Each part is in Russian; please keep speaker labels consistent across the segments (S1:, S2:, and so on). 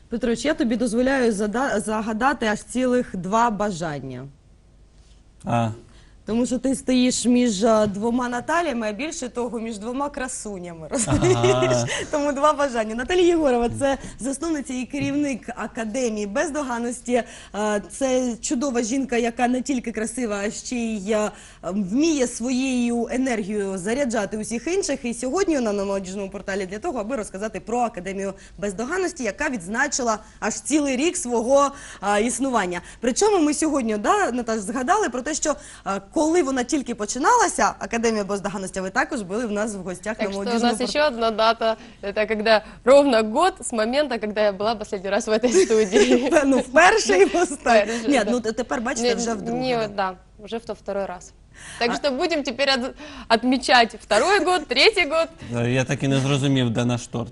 S1: Петрович, я тобі дозволяю загадати аж цілих 2 бажання. Тому що ти стоїш між 2 Наталіями, а більше того, між 2 красунями, розумієш? Тому 2 бажання. Наталія Єгорова – це засновниця і керівник Академії Бездоганності. Це чудова жінка, яка не тільки красива, а ще й вміє своєю енергією заряджати усіх інших. І сьогодні вона на молодіжному порталі для того, аби розказати про Академію Бездоганності, яка відзначила аж цілий рік свого існування. Причому ми сьогодні, Наташ, згадали про те, що коли вона тільки починалася, Академія Бездоганності, ви також були в нас в гостях на молодіжному порталі.
S2: Так что у нас еще одна дата, это когда ровно год с момента, когда я была последний раз в этой студии.
S1: Ну, вперше і останній. Ні, ну тепер, бачите, вже вдруге.
S2: Да, уже второй раз. Так что будем теперь отмечать 2-й год, 3-й год.
S3: Я так і не зрозумів, де наш торт.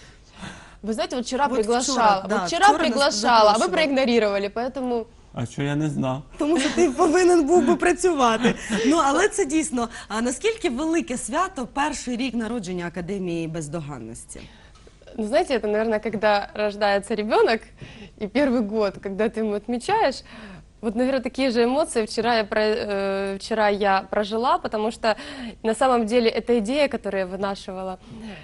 S2: Вы знаете, вот вчера
S1: Вот
S2: приглашала,
S1: вчера, да,
S2: вчера
S1: вчера
S2: приглашала, а вы
S1: запрошивала.
S2: проигнорировали, поэтому...
S3: А що я не знав?
S1: Тому що ти повинен був би працювати. Ну, але це дійсно. А наскільки велике свято перший рік народження Академії Бездоганності?
S2: Ну, знаете, это, наверное, когда рождается ребенок, и первый год, когда ты ему отмечаешь, вот, наверное, такие же эмоции вчера я прожила, потому что на самом деле эта идея, которую я вынашивала,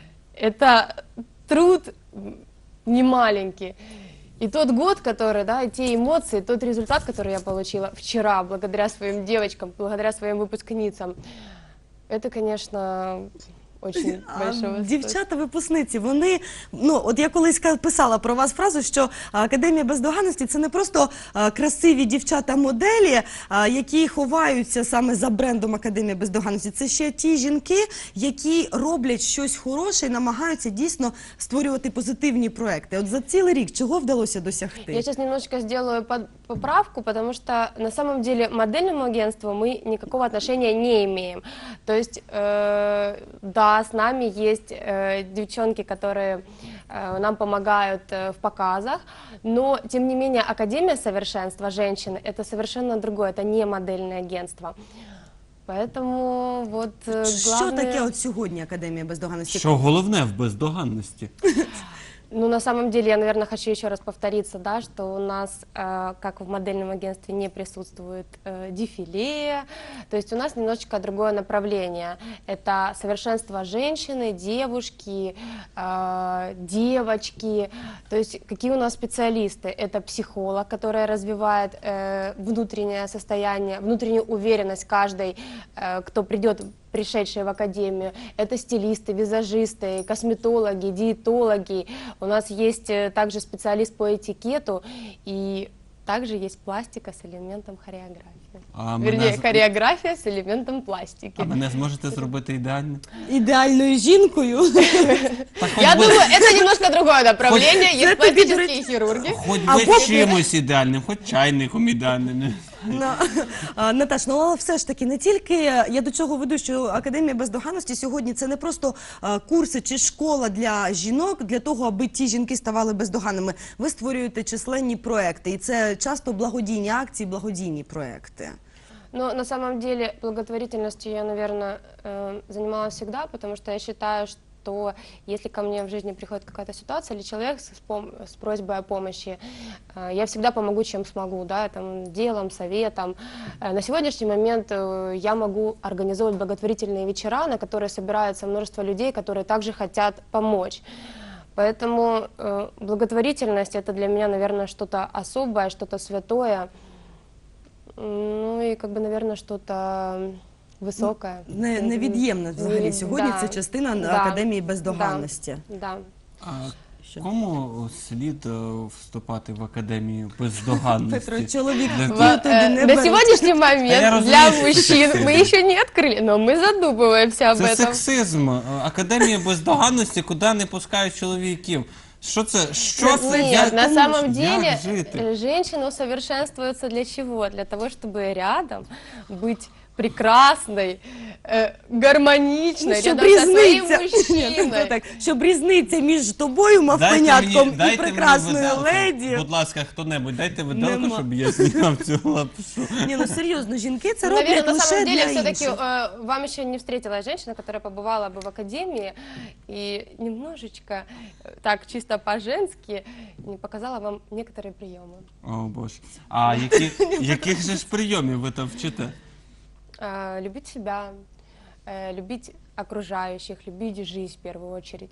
S2: это труд немаленький. И тот год, который, да, и те эмоции, тот результат, который я получила вчера, благодаря своим девочкам, благодаря своим выпускницам, это, конечно, очень большого.
S1: Дівчата-випускниці, вони, ну, от я колись писала про вас фразу, що Академія Бездоганності – це не просто красиві дівчата-моделі, які ховаються саме за брендом Академії Бездоганності. Це ще ті жінки, які роблять щось хороше і намагаються дійсно створювати позитивні проекти. От за цілий рік чого вдалося досягти?
S2: Я сейчас немножечко сделаю поправку, потому что на самом деле модельному агентству мы никакого отношения не имеем. То есть, да, с нами есть девчонки, которые нам помогают в показах, но, тем не менее, Академия совершенства женщины – это совершенно другое, это не модельное агентство. Поэтому вот
S1: Що таке от сьогодні Академія Бездоганності?
S3: Що головне в бездоганності?
S2: Ну, на самом деле, я, наверное, хочу еще раз повториться, да, что у нас, как в модельном агентстве, не присутствует дефиле, то есть у нас немножечко другое направление. Это совершенство женщины, девушки, девочки, то есть какие у нас специалисты? Это психолог, который развивает внутреннее состояние, внутреннюю уверенность каждой, кто придет, пришедшие в академию, это стилисты, визажисты, косметологи, диетологи. У нас есть также специалист по этикету, и также есть пластика с элементом хореографии. Вернее, хореография с элементом пластики.
S3: А мене зможете зробити ідеально?
S1: Ідеальною жінкою?
S2: Я думаю, это немножко другое направление, есть пластические хирурги.
S3: Хоч би чимось ідеальним, хоч чайником ідеальним.
S1: Наташ, ну але все ж таки не тільки, я до чого веду, що Академія Бездоганності сьогодні це не просто курси чи школа для жінок, для того, аби ті жінки ставали бездоганними. Ви створюєте численні проекти, і це часто благодійні акції, благодійні проекти.
S2: Но на самом деле благотворительностью я, наверное, занималась всегда, потому что я считаю, что если ко мне в жизни приходит какая-то ситуация или человек с просьбой о помощи, я всегда помогу, чем смогу, да, там, делом, советом. На сегодняшний момент я могу организовывать благотворительные вечера, на которые собирается множество людей, которые также хотят помочь. Поэтому благотворительность – это для меня, наверное, что-то особое, что-то святое, ну и, как бы, наверное, что-то високе.
S1: Невід'ємна взагалі сьогодні це частина Академії Бездоганності.
S2: Да.
S3: Кому слід вступати в Академію Бездоганності?
S1: Петро, чоловік
S2: На сегодняшний момент для мужчин мы еще не открыли, но мы задумываемся об
S3: этом. Це
S2: этом.
S3: сексизм. Академія Бездоганності, куди не пускають чоловіків. Что это?
S2: Нет, на самом деле женщины усовершенствуются для чего? Для того, чтобы рядом быть прекрасной, гармоничной,
S1: щоб
S2: рядом со своим
S1: різниця,
S2: мужчиной.
S1: так, щоб різниця між тобою, мавпенятком, і прекрасною
S3: виделку.
S1: леді.
S3: Будь ласка, хто-небудь, дайте виделку,
S1: Нема.
S3: щоб я зняв цю лапшу.
S1: Ні, ну серйозно, жінки це
S2: Наверное,
S1: роблять
S2: на
S1: лише
S2: самом деле,
S1: для
S2: все-таки
S1: інших.
S2: вам еще не встретилась женщина, которая побывала бы в академии и немножечко, так чисто по-женски, не показала вам некоторые приемы.
S3: О, Боже. А яких же ж прийомів ви там вчите?
S2: Любить себя, любить окружающих, любить жизнь в первую очередь.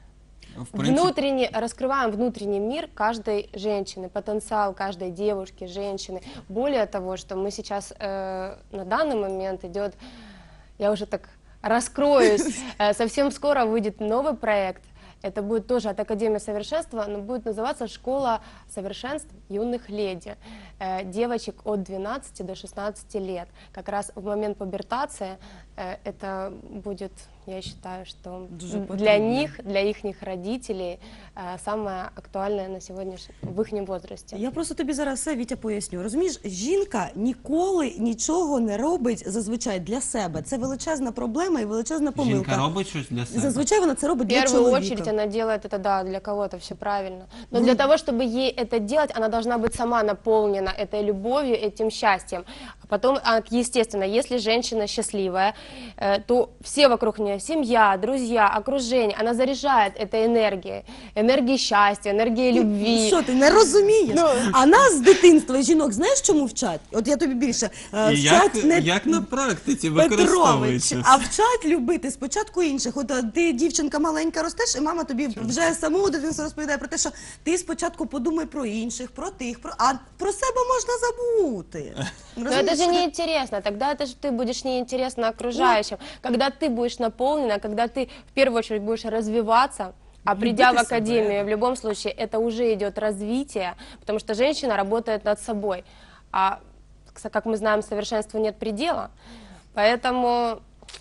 S3: В принципі,
S2: Раскрываем внутренний мир каждой женщины, потенциал каждой девушки, женщины. Более того, что мы сейчас на данный момент идет, я уже так раскроюсь, совсем скоро выйдет новый проект. Это будет тоже от Академии Совершенства, но будет называться «Школа совершенств юных леди», девочек от 12 до 16 лет. Как раз в момент пубертации это будет, я считаю, что
S1: Дуже
S2: для
S1: потрібно.
S2: них, для их родителей самое актуальное на сегодняшнем, в их возрасте.
S1: Я просто тобі зараз все, Вітя, поясню. Розумієш, жінка ніколи нічого не робить зазвичай для себе. Це величезна проблема і величезна помилка.
S3: жінка робить щось для себе?
S1: Зазвичай вона це робить
S2: В
S1: для
S2: первую
S1: чоловіка.
S2: очередь она делает это, да, для кого-то все правильно. Но для того, чтобы ей это делать, она должна быть сама наполнена этой любовью, этим счастьем. А потом, естественно, если женщина счастливая, то все вокруг нее, семья, друзья, окружение, она заряжает этой энергией счастья, энергией любви.
S1: Що ти не розумієш?
S2: Ну.
S1: А нас з дитинства жінок знаєш чому вчать? От я тобі більше
S3: І
S1: вчать не
S3: як на практиці
S1: Петрович,
S3: використовується?
S1: а вчать любити спочатку інших. От ти, дівчинка маленька, ростеш, і мама тобі вже з самого дитинства розповідає про те, що ти спочатку подумай про інших, про тих, а про себе можна забути.
S2: Но это же неинтересно, тогда это же ты будешь неинтересно окружающим. Когда ты будешь наполнена, когда ты в первую очередь будешь развиваться, а придя в
S1: Любите себя,
S2: академию, в любом случае, это уже идет развитие, потому что женщина работает над собой. А, как мы знаем, совершенству нет предела, поэтому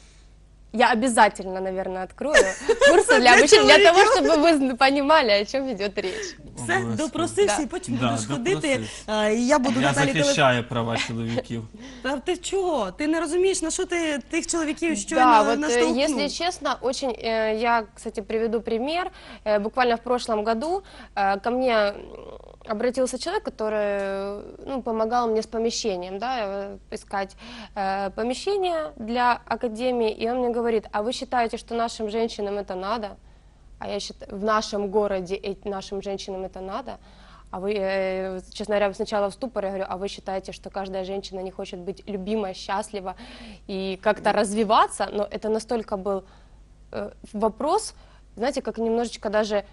S2: я обязательно, наверное, открою курсы для обучения, для того, чтобы вы понимали, о чем идет речь.
S1: Все,
S3: Обов'язково.
S1: допросився,
S2: Да.
S1: і потім
S3: Да,
S1: будеш ходити.
S3: допросився.
S1: І я буду
S3: Я
S1: Наталі
S3: захищаю права чоловіків.
S1: Та ти чого? Ти не розумієш, на що ти тих чоловіків
S2: Да,
S1: щойно
S2: вот
S1: наштовхнув?
S2: если честно, очень, я, кстати, приведу пример. Буквально в прошлом году ко мне обратился человек, который помогал мне с помещением, да, искать помещение для академии, и он мне говорит: а вы считаете, что нашим женщинам это надо? А я считаю, в нашем городе нашим женщинам это надо? А вы, честно говоря, сначала в ступор, я говорю: а вы считаете, что каждая женщина не хочет быть любима, счастлива и как-то развиваться? Но это настолько был вопрос, знаете, как немножечко даже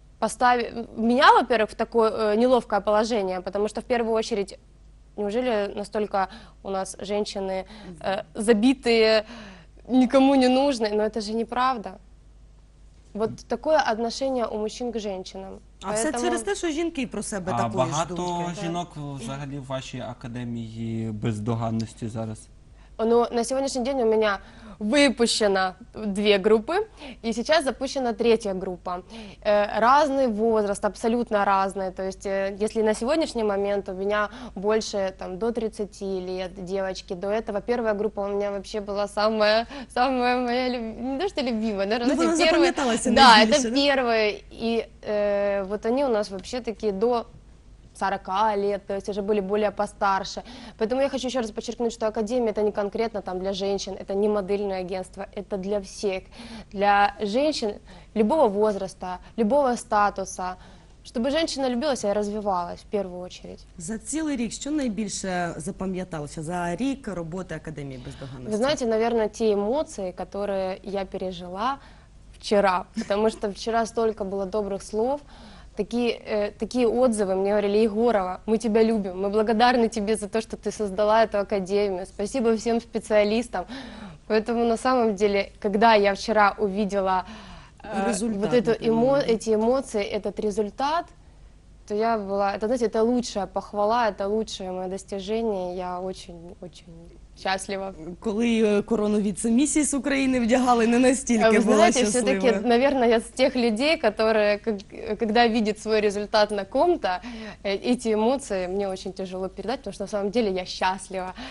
S2: меня, во-первых, в такое неловкое положение, потому что в первую очередь, неужели настолько у нас женщины забитые, никому не нужны? Но это же неправда. Вот такое отношение у мужчин к женщинам.
S1: А все через те, що жінки про себе
S3: А
S1: такої ж
S3: багато
S1: думки.
S3: жінок взагалі в вашій академії бездоганності зараз?
S2: Но на сегодняшний день у меня выпущено 2 группы, и сейчас запущена 3-я группа. Разный возраст, абсолютно разный. То есть, если на сегодняшний момент у меня больше до 30 лет девочки, до этого 1-я группа у меня вообще была самая моя, не то что любимая, наверное,
S1: вона запам'яталася
S2: да,
S1: найбільше,
S2: это первые, и вот они у нас вообще такие до 40 лет, то есть уже были более постарше. Поэтому я хочу еще раз подчеркнуть, что Академия — это не конкретно для женщин, это не модельное агентство, это для всех, для женщин любого возраста, любого статуса, чтобы женщина любилась и развивалась в первую очередь.
S1: За цілий рік що найбільше запам'яталося за рік роботи Академії бездоганності?
S2: Вы знаете, наверное, те эмоции, которые я пережила вчера, потому что вчера столько было добрых слов, такие отзывы мне говорили: Егорова, мы тебя любим, мы благодарны тебе за то, что ты создала эту академию, спасибо всем специалистам. Поэтому на самом деле, когда я вчера увидела вот эти эмоции, этот результат, то я была, это, знаете, это лучшая похвала, это лучшее мое достижение, я очень-очень счастлива.
S1: Коли корону віце-місіс України вдягали, не настільки
S2: Вы
S1: була
S2: знаете,
S1: щаслива.
S2: все-таки, наверное, я с тех людей, которые, когда видят свой результат на ком-то, эти эмоции мне очень тяжело передать, потому что на самом деле я счастлива.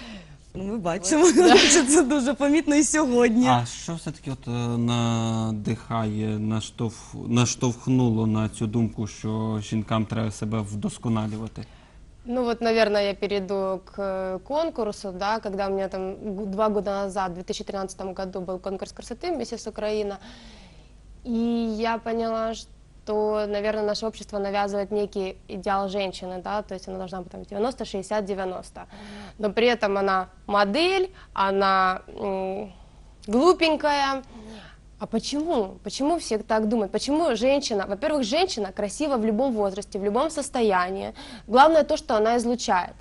S1: Ну, ми бачимо, що це дуже помітно і сьогодні.
S3: А що все-таки от надихає, наштовхнуло на цю думку, що жінкам треба себе вдосконалювати?
S2: Ну вот, наверное, я перейду к конкурсу, да, когда у меня там 2 года назад, в 2013 году был конкурс красоты «Миссис Украина», и я поняла, что, наверное, наше общество навязывает некий идеал женщины, да, то есть она должна быть там 90, 60, 90, но при этом она модель, она глупенькая. А почему? Почему все так думают? Почему женщина? Во-первых, женщина красива в любом возрасте, в любом состоянии. Главное то, что она излучает.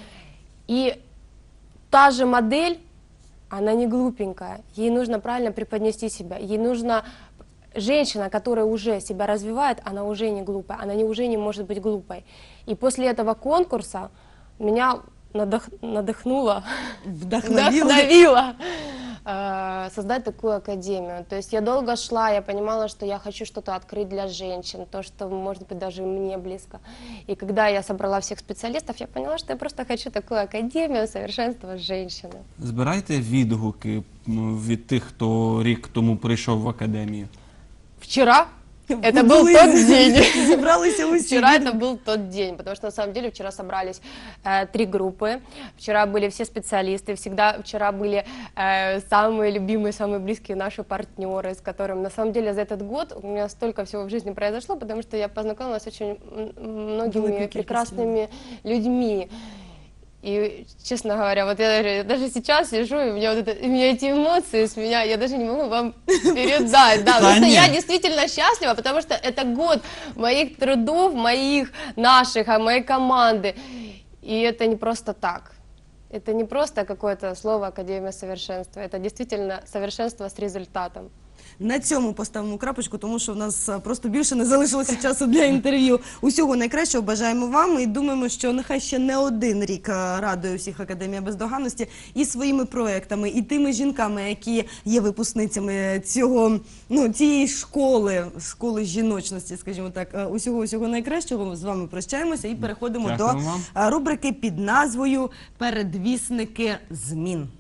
S2: И та же модель, она не глупенькая. Ей нужно правильно преподнести себя. Ей нужно... Женщина, которая уже себя развивает, она уже не глупая. Она уже не может быть глупой. И после этого конкурса меня надохнуло, вдохновило создать такую академию. То есть я долго шла, я понимала, что я хочу что-то открыть для женщин, то, что, может быть, даже мне близко. И когда я собрала всех специалистов, я поняла, что я просто хочу такую академию совершенства женщины.
S3: Збирайте відгуки від тих, хто рік тому прийшов в академію.
S2: Вчера это был тот день.
S1: Зібралися усі.
S2: Вчера это был тот день, потому что на самом деле вчера собрались 3 группы, вчера были все специалисты, вчера были самые любимые, самые близкие наши партнеры, с которыми на самом деле за этот год у меня столько всего в жизни произошло, потому что я познакомилась с очень многими прекрасными людьми. И, честно говоря, вот я даже сейчас сижу, и у меня, у меня эти эмоции с меня, я даже не могу вам передать. Да, потому что я действительно счастлива, потому что это год моих трудов, наших, моей команды. И это не просто так. Это не просто какое-то слово «Академия совершенства». Это действительно совершенство с результатом.
S1: На цьому поставимо крапочку, тому що в нас просто більше не залишилося часу для інтерв'ю. Усього найкращого бажаємо вам і думаємо, що нехай ще не один рік радує всіх Академія Бездоганності і своїми проектами, і тими жінками, які є випускницями цієї школи жіночності, скажімо так. Усього найкращого. З вами прощаємося і переходимо до рубрики під назвою «Передвісники змін».